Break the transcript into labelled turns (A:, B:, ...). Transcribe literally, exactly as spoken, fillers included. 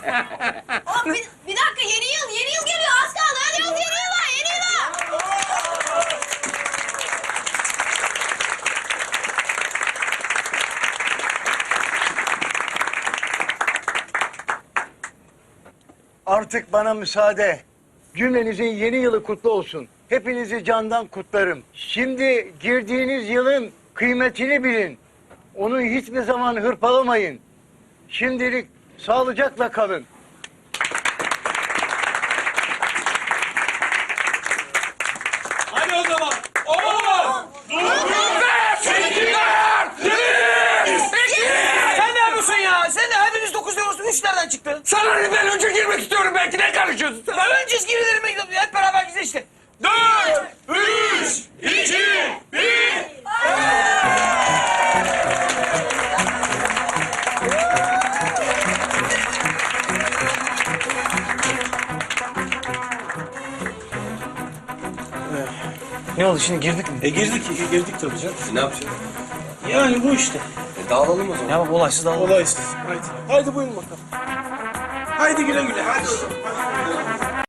A: Oğlum bir, bir dakika yeni yıl, yeni yıl geliyor. Az kaldı. Hadi yıl, yeni yıla, yeni yıla.
B: Artık bana müsaade. Cümlenizin yeni yılı kutlu olsun. Hepinizi candan kutlarım. Şimdi girdiğiniz yılın kıymetini bilin. Onu hiçbir zaman hırpalamayın. Şimdilik sağlıcakla kalın.
C: Hadi o zaman. On! Sekiz!
D: Sen ne yapıyorsun ya? Sen de hepimiz dokuz diyorsun. Üç nereden çıktı?
C: Sana ne, ben önce girmek istiyorum, belki ne karışıyorsun sen?
D: Ya önce girilerime gidelim. Hep beraber gidelim işte.
C: Dört, üç, iki, bir.
D: Ne oldu şimdi girdik mi?
E: E girdik, e, girdik tabii canım.
C: Ne yapacağız?
E: Yani bu işte.
C: E, dağılalım o zaman.
D: Ya bak olaysız dağılalım.
E: Olaysız. Haydi. Haydi buyurun bakalım. Haydi güle güle. Hadi o zaman. Hadi.